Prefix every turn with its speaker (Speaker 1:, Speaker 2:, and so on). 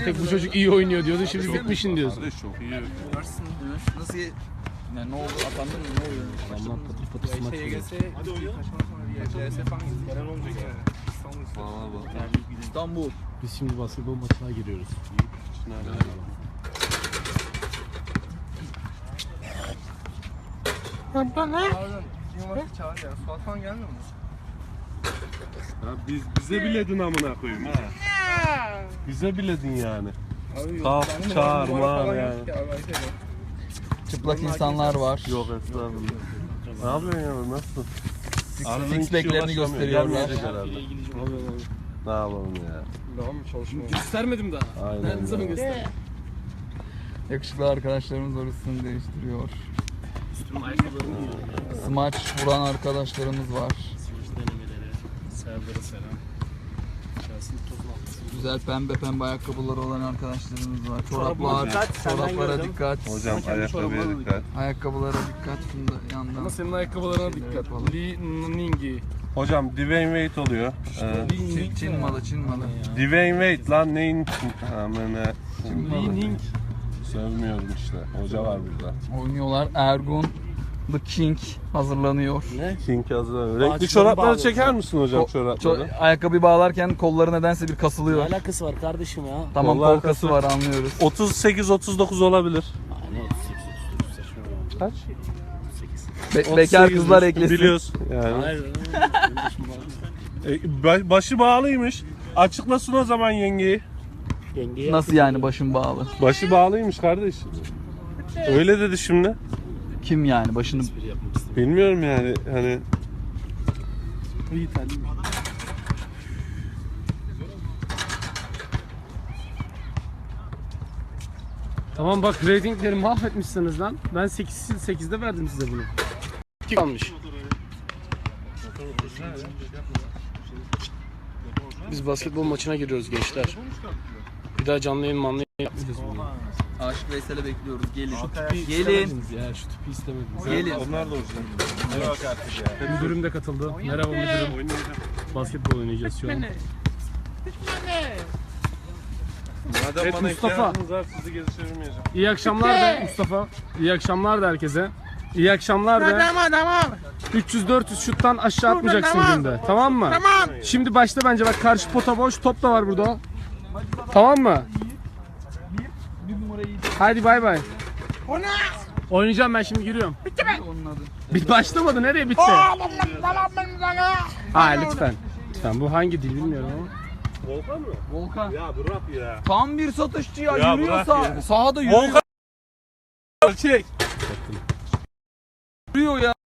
Speaker 1: tek bu çocuk iyi oynuyor diyordu. Şimdi bitmişin diyorsun.
Speaker 2: Çok iyi.
Speaker 3: Nasıl yani ne oldu? Atandın mı? Ne oluyor?
Speaker 1: Allah patır patır smaç oluyor.
Speaker 3: İstanbul.
Speaker 1: Biz şimdi basketbol maçına giriyoruz.
Speaker 3: Çağır ya. Suat falan gelmiyor mu?
Speaker 2: Ya bize biledin amına koyayım ha. Bize biledin yani. Kalk çağırma yani.
Speaker 3: Çıplak insanlar var.
Speaker 2: Yok estağfurullah. Ne yapıyorsun ya nasılsın?
Speaker 3: Six pack'lerini gösteriyorlar.
Speaker 2: Ne yapalım ya?
Speaker 1: Göstermedim daha.
Speaker 2: Aynen.
Speaker 1: Ben ne zaman göster?
Speaker 3: Yakışıklı arkadaşlarımız orasını değiştiriyor.
Speaker 1: Üstümün ayakkabılarını giyiyorum.
Speaker 3: Smaç vuran arkadaşlarımız var.
Speaker 1: Smaç denemeleri. Serdar'a selam. Şahsın tozun altı.
Speaker 3: Güzel pembe ayakkabıları olan arkadaşlarımız var.
Speaker 1: Çoraplara
Speaker 3: Çoraplar,
Speaker 1: dikkat, senden
Speaker 3: çoraplara
Speaker 1: gördüm.
Speaker 3: dikkat.
Speaker 2: Hocam
Speaker 1: kendi
Speaker 2: ayakkabıya
Speaker 1: çorabına
Speaker 2: dikkat.
Speaker 3: Ayakkabılara dikkat. Şunda yandan.
Speaker 1: Ama senin ayakkabılarına dikkat.
Speaker 3: yapalım.
Speaker 1: Li Ningi.
Speaker 2: Hocam Dwayne Wade oluyor.
Speaker 3: Çin malı, Çin malı.
Speaker 2: Dwayne Wade lan neyin? Hemen
Speaker 1: Li Ning.
Speaker 2: sövmüyorum işte. Hoca var burada.
Speaker 3: Oynuyorlar. Ergun The King hazırlanıyor.
Speaker 1: Ne?
Speaker 2: King hazır. Renkli
Speaker 1: Ağaçları
Speaker 2: çorapları
Speaker 1: bağlıyoruz
Speaker 2: çeker
Speaker 1: ya.
Speaker 2: misin hocam çorapları?
Speaker 3: Ayakkabıyı bağlarken kolları nedense bir
Speaker 1: Ne
Speaker 3: kasılıyor.
Speaker 1: alakası var kardeşim ya?
Speaker 3: Tamam,
Speaker 2: Kollar
Speaker 3: kol kası var, anlıyoruz.
Speaker 2: 38-39 olabilir.
Speaker 1: Ne 38 saçma.
Speaker 2: Kaç?
Speaker 1: 38.
Speaker 3: Bekar
Speaker 2: 38
Speaker 3: kızlar eklesin.
Speaker 2: Biliyorsun yani.
Speaker 1: Hayır.
Speaker 2: Başı bağlıymış. Açıklasın o zaman yengeyi.
Speaker 1: Yengeye
Speaker 3: Nasıl yani başım bağlı?
Speaker 2: Başı bağlıymış kardeş. Öyle dedi şimdi.
Speaker 3: Kim yani başını...
Speaker 1: espri yapmak istedim.
Speaker 2: Bilmiyorum yani hani
Speaker 1: İyi terliyim. Tamam bak ratingleri mahvetmişsiniz lan. Ben 8'de verdim size bunu. 2 kalmış. Biz basketbol maçına giriyoruz gençler. Bir daha canlı yayın manlı yayın yapmayacağız bunu.
Speaker 3: Aşık Veysel'e bekliyoruz. Gelin.
Speaker 1: Gelin.
Speaker 3: Gelin.
Speaker 1: Ya şu tüpü istemediniz.
Speaker 3: Gelin.
Speaker 2: onlar da orijinal.
Speaker 1: Müdürüm de katıldı. Merhaba müdürüm. Basketbol oynayacağız şu an.
Speaker 2: Madem
Speaker 1: Evet,
Speaker 2: bana
Speaker 1: Mustafa.
Speaker 2: ihtiyacınız var sizi geri çevirmeyeceğim.
Speaker 1: İyi akşamlar da Mustafa. İyi akşamlar da herkese. İyi akşamlar da.
Speaker 4: Tamam.
Speaker 1: 300-400 şuttan aşağı atmayacaksın günde. Tamam mı?
Speaker 4: Tamam.
Speaker 1: Şimdi başla bence, bak karşı pota boş, top da var burada. Tamam mı? Hadi bay bay.
Speaker 4: O ne?
Speaker 1: Oynayacağım ben, şimdi giriyorum.
Speaker 3: Onun adı.
Speaker 1: Bit başlamadı, nereye bitti?
Speaker 4: Tamam ben sana.
Speaker 1: Ha lütfen. Lütfen, bu hangi dil bilmiyorum ama.
Speaker 2: Volkan mı?
Speaker 3: Volkan.
Speaker 2: Ya bırak ya.
Speaker 3: Tam bir satışçı ya.
Speaker 2: Ya
Speaker 3: Yürüyor
Speaker 2: bırak ya.
Speaker 3: sahada yürüyor.
Speaker 2: Volkan. Çek.
Speaker 3: Yürüyor ya.